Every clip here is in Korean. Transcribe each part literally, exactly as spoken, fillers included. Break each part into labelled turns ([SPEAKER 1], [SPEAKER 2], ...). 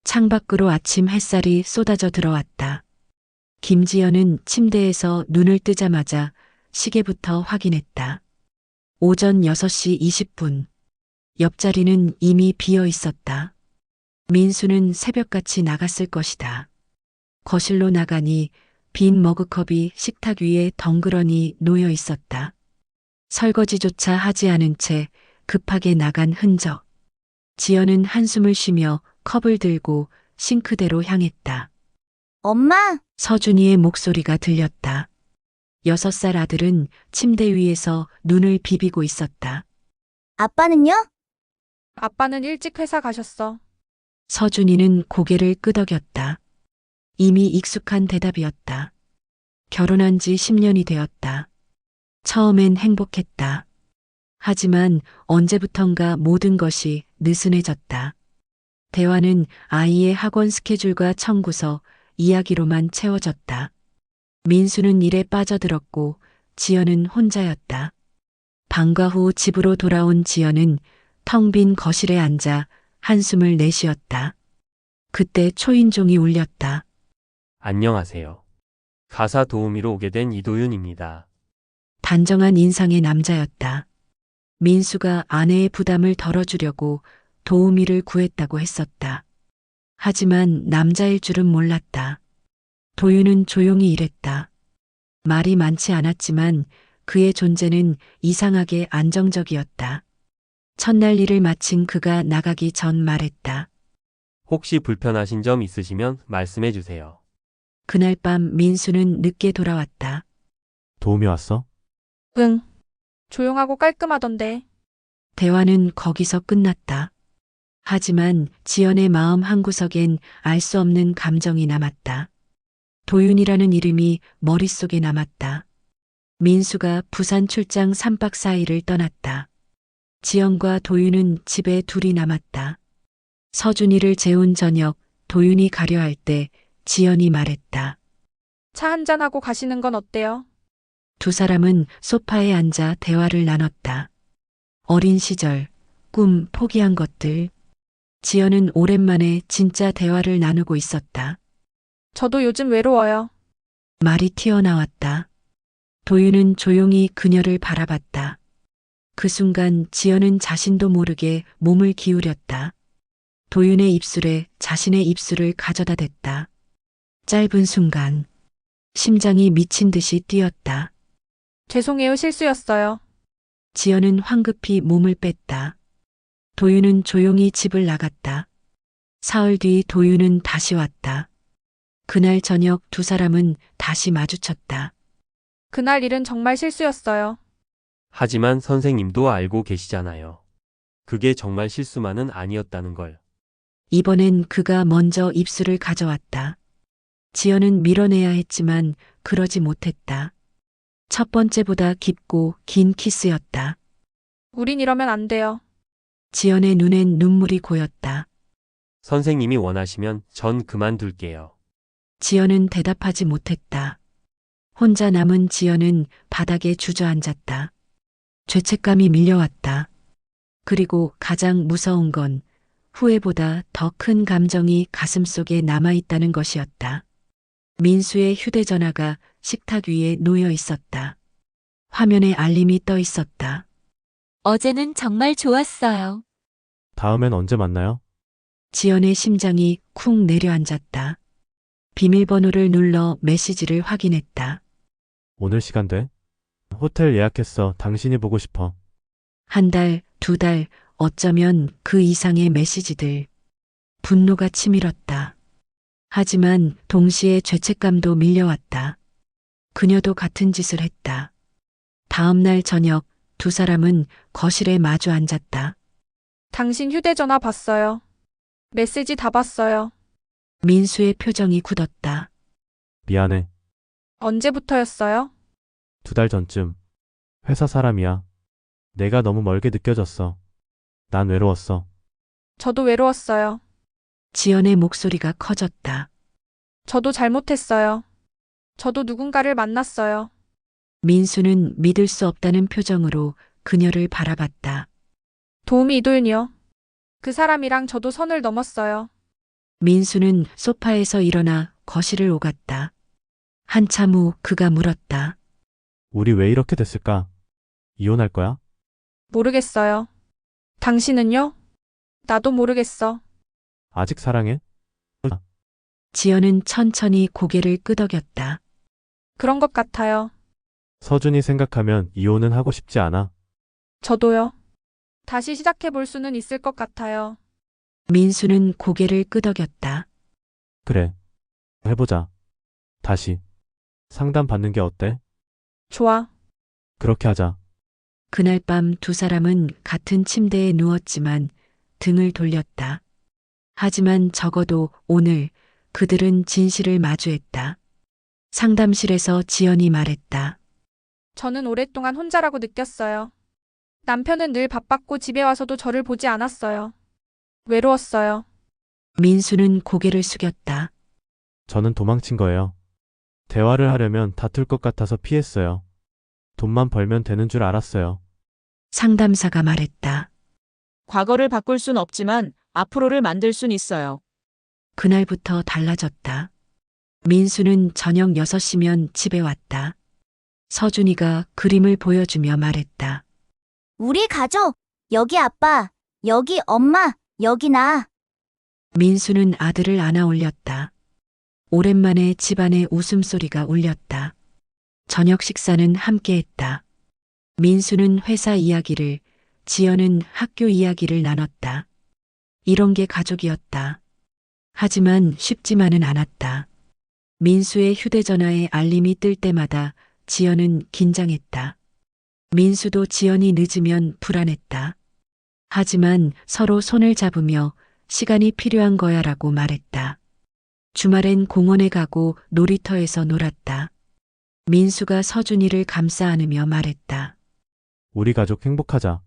[SPEAKER 1] 창밖으로 아침 햇살이 쏟아져 들어왔다. 김지연은 침대에서 눈을 뜨자마자 시계부터 확인했다. 오전 여섯 시 이십 분. 옆자리는 이미 비어 있었다. 민수는 새벽같이 나갔을 것이다. 거실로 나가니 빈 머그컵이 식탁 위에 덩그러니 놓여 있었다. 설거지조차 하지 않은 채 급하게 나간 흔적. 지연은 한숨을 쉬며 컵을 들고 싱크대로 향했다.
[SPEAKER 2] 엄마,
[SPEAKER 1] 서준이의 목소리가 들렸다. 여섯 살 아들은 침대 위에서 눈을 비비고 있었다.
[SPEAKER 2] 아빠는요?
[SPEAKER 3] 아빠는 일찍 회사 가셨어.
[SPEAKER 1] 서준이는 고개를 끄덕였다. 이미 익숙한 대답이었다. 결혼한 지 십 년이 되었다. 처음엔 행복했다. 하지만 언제부턴가 모든 것이 느슨해졌다. 대화는 아이의 학원 스케줄과 청구서, 이야기로만 채워졌다. 민수는 일에 빠져들었고 지연은 혼자였다. 방과 후 집으로 돌아온 지연은 텅 빈 거실에 앉아 한숨을 내쉬었다. 그때 초인종이 울렸다.
[SPEAKER 4] 안녕하세요. 가사 도우미로 오게 된 이도윤입니다.
[SPEAKER 1] 단정한 인상의 남자였다. 민수가 아내의 부담을 덜어주려고 도우미를 구했다고 했었다. 하지만 남자일 줄은 몰랐다. 도윤은 조용히 일했다. 말이 많지 않았지만 그의 존재는 이상하게 안정적이었다. 첫날 일을 마친 그가 나가기 전 말했다.
[SPEAKER 4] 혹시 불편하신 점 있으시면 말씀해 주세요.
[SPEAKER 1] 그날 밤 민수는 늦게 돌아왔다.
[SPEAKER 5] 도움이 왔어?
[SPEAKER 3] 응. 조용하고 깔끔하던데.
[SPEAKER 1] 대화는 거기서 끝났다. 하지만 지연의 마음 한구석엔 알 수 없는 감정이 남았다. 도윤이라는 이름이 머릿속에 남았다. 민수가 부산 출장 삼 박 사 일을 떠났다. 지연과 도윤은 집에 둘이 남았다. 서준이를 재운 저녁, 도윤이 가려 할 때 지연이 말했다.
[SPEAKER 3] 차 한잔하고 가시는 건 어때요?
[SPEAKER 1] 두 사람은 소파에 앉아 대화를 나눴다. 어린 시절, 꿈, 포기한 것들. 지연은 오랜만에 진짜 대화를 나누고 있었다.
[SPEAKER 3] 저도 요즘 외로워요.
[SPEAKER 1] 말이 튀어나왔다. 도윤은 조용히 그녀를 바라봤다. 그 순간 지연은 자신도 모르게 몸을 기울였다. 도윤의 입술에 자신의 입술을 가져다 댔다. 짧은 순간, 심장이 미친 듯이 뛰었다.
[SPEAKER 3] 죄송해요, 실수였어요.
[SPEAKER 1] 지연은 황급히 몸을 뺐다. 도윤은 조용히 집을 나갔다. 사흘 뒤 도윤은 다시 왔다. 그날 저녁 두 사람은 다시 마주쳤다.
[SPEAKER 3] 그날 일은 정말 실수였어요.
[SPEAKER 4] 하지만 선생님도 알고 계시잖아요. 그게 정말 실수만은 아니었다는 걸.
[SPEAKER 1] 이번엔 그가 먼저 입술을 가져왔다. 지연은 밀어내야 했지만 그러지 못했다. 첫 번째보다 깊고 긴 키스였다.
[SPEAKER 3] 우린 이러면 안 돼요.
[SPEAKER 1] 지연의 눈엔 눈물이 고였다.
[SPEAKER 4] 선생님이 원하시면 전 그만둘게요.
[SPEAKER 1] 지연은 대답하지 못했다. 혼자 남은 지연은 바닥에 주저앉았다. 죄책감이 밀려왔다. 그리고 가장 무서운 건 후회보다 더 큰 감정이 가슴속에 남아있다는 것이었다. 민수의 휴대전화가 식탁 위에 놓여 있었다. 화면에 알림이 떠 있었다.
[SPEAKER 6] 어제는 정말 좋았어요.
[SPEAKER 5] 다음엔 언제 만나요?
[SPEAKER 1] 지연의 심장이 쿵 내려앉았다. 비밀번호를 눌러 메시지를 확인했다.
[SPEAKER 5] 오늘 시간 돼? 호텔 예약했어. 당신이 보고 싶어.
[SPEAKER 1] 한 달, 두 달, 어쩌면 그 이상의 메시지들. 분노가 치밀었다. 하지만 동시에 죄책감도 밀려왔다. 그녀도 같은 짓을 했다. 다음 날 저녁 두 사람은 거실에 마주 앉았다.
[SPEAKER 3] 당신 휴대전화 봤어요. 메시지 다 봤어요.
[SPEAKER 1] 민수의 표정이 굳었다.
[SPEAKER 5] 미안해.
[SPEAKER 3] 언제부터였어요?
[SPEAKER 5] 두 달 전쯤. 회사 사람이야. 내가 너무 멀게 느껴졌어. 난 외로웠어.
[SPEAKER 3] 저도 외로웠어요.
[SPEAKER 1] 지연의 목소리가 커졌다.
[SPEAKER 3] 저도 잘못했어요. 저도 누군가를 만났어요.
[SPEAKER 1] 민수는 믿을 수 없다는 표정으로 그녀를 바라봤다.
[SPEAKER 3] 도우미 이도윤이요. 그 사람이랑 저도 선을 넘었어요.
[SPEAKER 1] 민수는 소파에서 일어나 거실을 오갔다. 한참 후 그가 물었다.
[SPEAKER 5] 우리 왜 이렇게 됐을까? 이혼할 거야?
[SPEAKER 3] 모르겠어요. 당신은요? 나도 모르겠어.
[SPEAKER 5] 아직 사랑해?
[SPEAKER 1] 지연은 천천히 고개를 끄덕였다.
[SPEAKER 3] 그런 것 같아요.
[SPEAKER 5] 서준이 생각하면 이혼은 하고 싶지 않아.
[SPEAKER 3] 저도요. 다시 시작해 볼 수는 있을 것 같아요.
[SPEAKER 1] 민수는 고개를 끄덕였다.
[SPEAKER 5] 그래. 해보자. 다시. 상담 받는 게 어때?
[SPEAKER 3] 좋아.
[SPEAKER 5] 그렇게 하자.
[SPEAKER 1] 그날 밤 두 사람은 같은 침대에 누웠지만 등을 돌렸다. 하지만 적어도 오늘 그들은 진실을 마주했다. 상담실에서 지연이 말했다.
[SPEAKER 3] 저는 오랫동안 혼자라고 느꼈어요. 남편은 늘 바빴고 집에 와서도 저를 보지 않았어요. 외로웠어요.
[SPEAKER 1] 민수는 고개를 숙였다.
[SPEAKER 5] 저는 도망친 거예요. 대화를 하려면 다툴 것 같아서 피했어요. 돈만 벌면 되는 줄 알았어요.
[SPEAKER 1] 상담사가 말했다.
[SPEAKER 7] 과거를 바꿀 순 없지만 앞으로를 만들 순 있어요.
[SPEAKER 1] 그날부터 달라졌다. 민수는 저녁 여섯 시면 집에 왔다. 서준이가 그림을 보여주며 말했다.
[SPEAKER 2] 우리 가족. 여기 아빠, 여기 엄마, 여기 나.
[SPEAKER 1] 민수는 아들을 안아 올렸다. 오랜만에 집안에 웃음소리가 울렸다. 저녁 식사는 함께 했다. 민수는 회사 이야기를, 지연은 학교 이야기를 나눴다. 이런 게 가족이었다. 하지만 쉽지만은 않았다. 민수의 휴대전화에 알림이 뜰 때마다 지연은 긴장했다. 민수도 지연이 늦으면 불안했다. 하지만 서로 손을 잡으며 시간이 필요한 거야라고 말했다. 주말엔 공원에 가고 놀이터에서 놀았다. 민수가 서준이를 감싸 안으며 말했다.
[SPEAKER 5] 우리 가족 행복하자.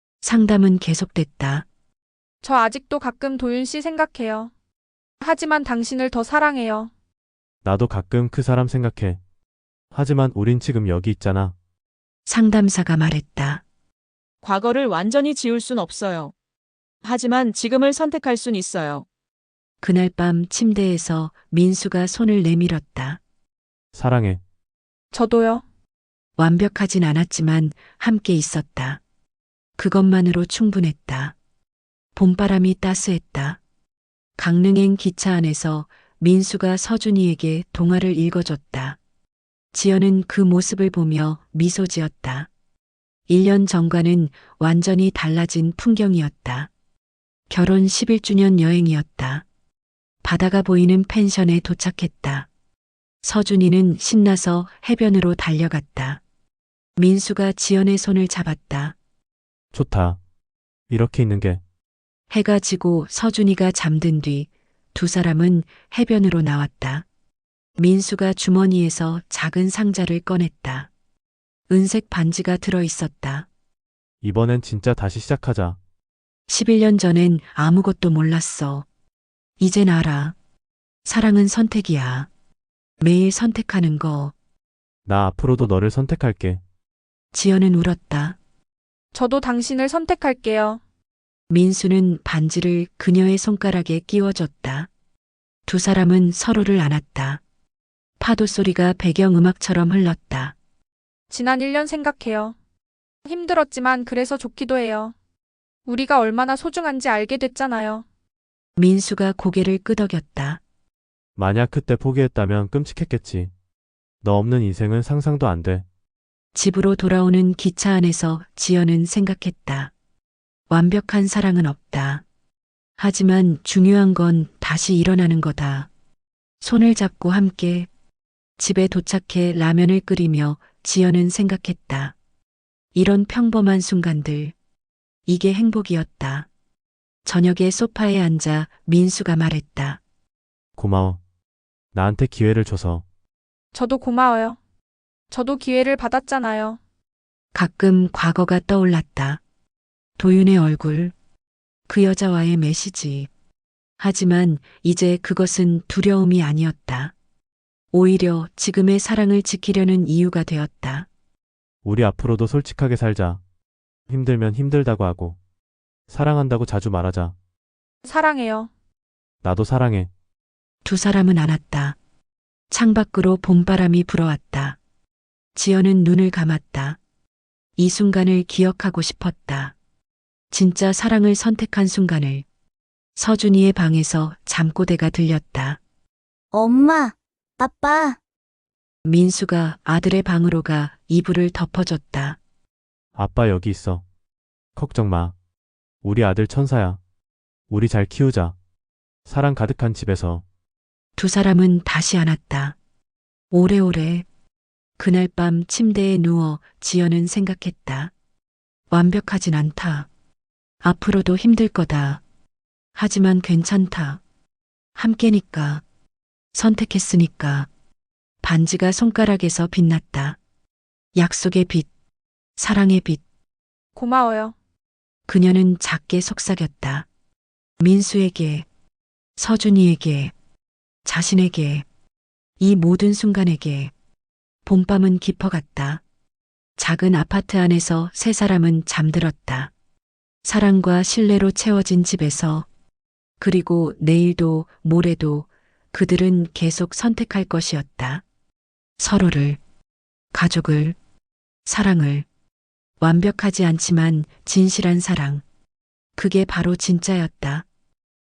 [SPEAKER 1] 상담은 계속됐다.
[SPEAKER 3] 저 아직도 가끔 도윤 씨 생각해요. 하지만 당신을 더 사랑해요.
[SPEAKER 5] 나도 가끔 그 사람 생각해. 하지만 우린 지금 여기 있잖아.
[SPEAKER 1] 상담사가 말했다.
[SPEAKER 7] 과거를 완전히 지울 순 없어요. 하지만 지금을 선택할 순 있어요.
[SPEAKER 1] 그날 밤 침대에서 민수가 손을 내밀었다.
[SPEAKER 5] 사랑해.
[SPEAKER 3] 저도요.
[SPEAKER 1] 완벽하진 않았지만 함께 있었다. 그것만으로 충분했다. 봄바람이 따스했다. 강릉행 기차 안에서 민수가 서준이에게 동화를 읽어줬다. 지연은 그 모습을 보며 미소 지었다. 일 년 전과는 완전히 달라진 풍경이었다. 결혼 십일 주년 여행이었다. 바다가 보이는 펜션에 도착했다. 서준이는 신나서 해변으로 달려갔다. 민수가 지연의 손을 잡았다.
[SPEAKER 5] 좋다. 이렇게 있는 게.
[SPEAKER 1] 해가 지고 서준이가 잠든 뒤 두 사람은 해변으로 나왔다. 민수가 주머니에서 작은 상자를 꺼냈다. 은색 반지가 들어 있었다.
[SPEAKER 5] 이번엔 진짜 다시 시작하자.
[SPEAKER 1] 십일 년 전엔 아무것도 몰랐어. 이젠 알아. 사랑은 선택이야. 매일 선택하는 거.
[SPEAKER 5] 나 앞으로도 너를 선택할게.
[SPEAKER 1] 지연은 울었다.
[SPEAKER 3] 저도 당신을 선택할게요.
[SPEAKER 1] 민수는 반지를 그녀의 손가락에 끼워줬다. 두 사람은 서로를 안았다. 파도 소리가 배경음악처럼 흘렀다.
[SPEAKER 3] 지난 일 년 생각해요. 힘들었지만 그래서 좋기도 해요. 우리가 얼마나 소중한지 알게 됐잖아요.
[SPEAKER 1] 민수가 고개를 끄덕였다.
[SPEAKER 5] 만약 그때 포기했다면 끔찍했겠지. 너 없는 인생은 상상도 안 돼.
[SPEAKER 1] 집으로 돌아오는 기차 안에서 지연은 생각했다. 완벽한 사랑은 없다. 하지만 중요한 건 다시 일어나는 거다. 손을 잡고 함께 집에 도착해 라면을 끓이며 지연은 생각했다. 이런 평범한 순간들. 이게 행복이었다. 저녁에 소파에 앉아 민수가 말했다.
[SPEAKER 5] 고마워. 나한테 기회를 줘서.
[SPEAKER 3] 저도 고마워요. 저도 기회를 받았잖아요.
[SPEAKER 1] 가끔 과거가 떠올랐다. 도윤의 얼굴, 그 여자와의 메시지. 하지만 이제 그것은 두려움이 아니었다. 오히려 지금의 사랑을 지키려는 이유가 되었다.
[SPEAKER 5] 우리 앞으로도 솔직하게 살자. 힘들면 힘들다고 하고. 사랑한다고 자주 말하자.
[SPEAKER 3] 사랑해요.
[SPEAKER 5] 나도 사랑해.
[SPEAKER 1] 두 사람은 안았다. 창밖으로 봄바람이 불어왔다. 지연은 눈을 감았다. 이 순간을 기억하고 싶었다. 진짜 사랑을 선택한 순간을. 서준이의 방에서 잠꼬대가 들렸다.
[SPEAKER 2] 엄마, 아빠,
[SPEAKER 1] 민수가 아들의 방으로 가 이불을 덮어줬다.
[SPEAKER 5] 아빠 여기 있어. 걱정 마. 우리 아들 천사야. 우리 잘 키우자. 사랑 가득한 집에서.
[SPEAKER 1] 두 사람은 다시 안았다. 오래오래. 그날 밤 침대에 누워 지연은 생각했다. 완벽하진 않다. 앞으로도 힘들 거다. 하지만 괜찮다. 함께니까. 선택했으니까. 반지가 손가락에서 빛났다. 약속의 빛, 사랑의 빛.
[SPEAKER 3] 고마워요.
[SPEAKER 1] 그녀는 작게 속삭였다. 민수에게, 서준이에게, 자신에게, 이 모든 순간에게. 봄밤은 깊어갔다. 작은 아파트 안에서 세 사람은 잠들었다. 사랑과 신뢰로 채워진 집에서. 그리고 내일도 모레도 그들은 계속 선택할 것이었다. 서로를, 가족을, 사랑을. 완벽하지 않지만 진실한 사랑. 그게 바로 진짜였다.